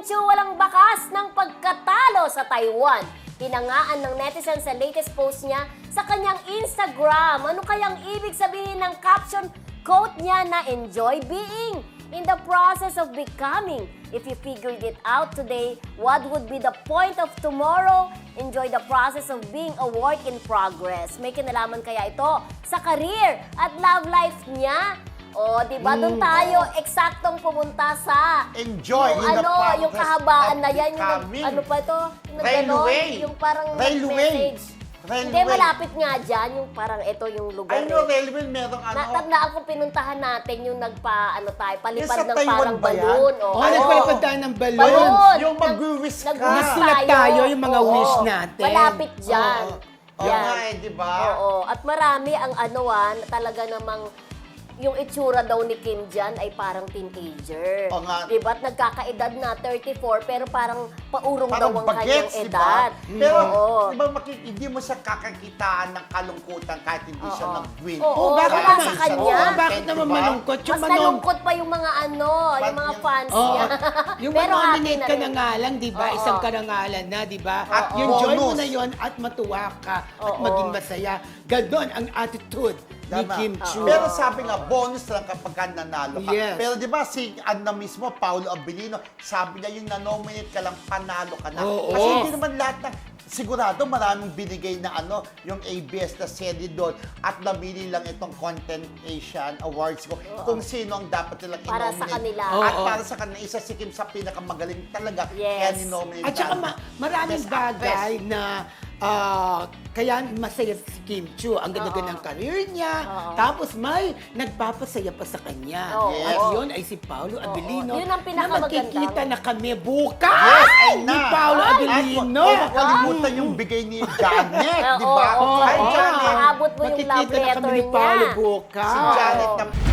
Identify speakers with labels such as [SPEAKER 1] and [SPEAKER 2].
[SPEAKER 1] Chu walang bakas ng pagkatalo sa Taiwan. Hinangaan ng netizen sa latest post niya sa kanyang Instagram. Ano kayang ibig sabihin ng caption quote niya na enjoy being in the process of becoming? If you figured it out today, what would be the point of tomorrow? Enjoy the process of being a work in progress. May kinalaman kaya ito sa career at love life niya? O, di ba? Doon tayo eksaktong pumunta sa
[SPEAKER 2] Enjoy
[SPEAKER 1] yung,
[SPEAKER 2] in the progress
[SPEAKER 1] yung kahabaan
[SPEAKER 2] of
[SPEAKER 1] na yan. Yung,
[SPEAKER 2] becoming.
[SPEAKER 1] ano pa ito? Yung
[SPEAKER 2] Railway.
[SPEAKER 1] Yung parang
[SPEAKER 2] Railway.
[SPEAKER 1] message.
[SPEAKER 2] Railway.
[SPEAKER 1] Hindi, malapit nga dyan. Yung parang ito yung lugar.
[SPEAKER 2] Ay, no, railway, merong ano.
[SPEAKER 1] Natandaan ko pinuntahan natin yung palipad
[SPEAKER 2] Yung sa
[SPEAKER 1] ng
[SPEAKER 2] Taiwan
[SPEAKER 1] parang
[SPEAKER 2] ba yan?
[SPEAKER 1] balloon.
[SPEAKER 3] Oh, nagpalipad tayo ng balon.
[SPEAKER 1] Balloon.
[SPEAKER 2] Yung mag-wish ka.
[SPEAKER 3] Nagsulat tayo yung mga wish natin.
[SPEAKER 1] Malapit dyan.
[SPEAKER 2] Oo
[SPEAKER 1] Yan.
[SPEAKER 2] nga eh, di ba?
[SPEAKER 1] Oo. At marami ang talaga namang yung itsura daw ni Kim dyan ay parang teenager.
[SPEAKER 2] Oo nga.
[SPEAKER 1] Diba? At nagkakaedad na 34, pero parang paurong
[SPEAKER 2] Parang
[SPEAKER 1] daw ang kanyang
[SPEAKER 2] bagets, di
[SPEAKER 1] edad.
[SPEAKER 2] ba? Pero,
[SPEAKER 1] Oo.
[SPEAKER 2] di ba, hindi mo siya kakakitaan ng kalungkutan kahit hindi siya
[SPEAKER 1] Oo.
[SPEAKER 2] nag-win.
[SPEAKER 1] Oo,
[SPEAKER 3] bakit
[SPEAKER 1] wala
[SPEAKER 3] naman?
[SPEAKER 1] sa kanya.
[SPEAKER 3] Oo, bakit
[SPEAKER 2] Diba?
[SPEAKER 3] naman malungkot? Yung
[SPEAKER 1] Mas nalungkot pa yung mga yung mga fans
[SPEAKER 3] Oo.
[SPEAKER 1] niya.
[SPEAKER 3] Yung
[SPEAKER 1] Pero happy
[SPEAKER 3] manominate
[SPEAKER 1] na
[SPEAKER 3] ka
[SPEAKER 1] rin.
[SPEAKER 3] na nga lang, di ba?
[SPEAKER 1] Oo.
[SPEAKER 3] Isang karangalan na, di ba?
[SPEAKER 2] At
[SPEAKER 3] Yung joy mo
[SPEAKER 2] bonus.
[SPEAKER 3] na yon at matuwa ka at
[SPEAKER 1] Oo.
[SPEAKER 3] maging masaya. Ganon ang attitude ni
[SPEAKER 2] Tama.
[SPEAKER 3] Kim Chu.
[SPEAKER 2] Pero sabi nga, bonus lang kapag ka nanalo ka.
[SPEAKER 3] Yes.
[SPEAKER 2] Pero di ba, si Anna mismo, Paolo Abilino, sabi niya yung na-nominate ka lang, panalo ka na.
[SPEAKER 3] Oo.
[SPEAKER 2] Kasi hindi naman lahat ng, sigurado maraming binigay na yung ABS na serye doon at namili lang itong Content Asian Awards ko kung sino ang dapat nilang
[SPEAKER 1] Para
[SPEAKER 2] i-nominate.
[SPEAKER 1] sa kanila.
[SPEAKER 2] At
[SPEAKER 3] Oo.
[SPEAKER 2] para sa kanila, isa si Kim sa pinakamagaling talaga.
[SPEAKER 1] Yes.
[SPEAKER 2] Kaya ni-nominate
[SPEAKER 3] At saka
[SPEAKER 2] namin.
[SPEAKER 3] maraming
[SPEAKER 2] Best Actress.
[SPEAKER 3] bagay na kaya masaya si Kim Chu. Ang ganda-ganda ng career niya.
[SPEAKER 1] Oo.
[SPEAKER 3] Tapos may nagpapasaya pa sa kanya.
[SPEAKER 1] Oo.
[SPEAKER 3] At
[SPEAKER 2] Yes.
[SPEAKER 3] yun ay si Paolo Abilino.
[SPEAKER 1] Yun ang
[SPEAKER 3] na
[SPEAKER 1] pinakamagandang.
[SPEAKER 3] makikita na kami bukas
[SPEAKER 2] Yes, ay
[SPEAKER 3] ni
[SPEAKER 2] na.
[SPEAKER 3] Paolo
[SPEAKER 2] At
[SPEAKER 3] Abilino.
[SPEAKER 2] huwag kalimutan yung bigay ni Janet, di ba?
[SPEAKER 1] Oo,
[SPEAKER 2] Ay,
[SPEAKER 1] oo.
[SPEAKER 2] Janet.
[SPEAKER 1] Maabot mo yung love
[SPEAKER 3] Makikita na
[SPEAKER 1] letter
[SPEAKER 3] kami ni Paolo
[SPEAKER 1] niya.
[SPEAKER 3] bukas.
[SPEAKER 2] Si Janet na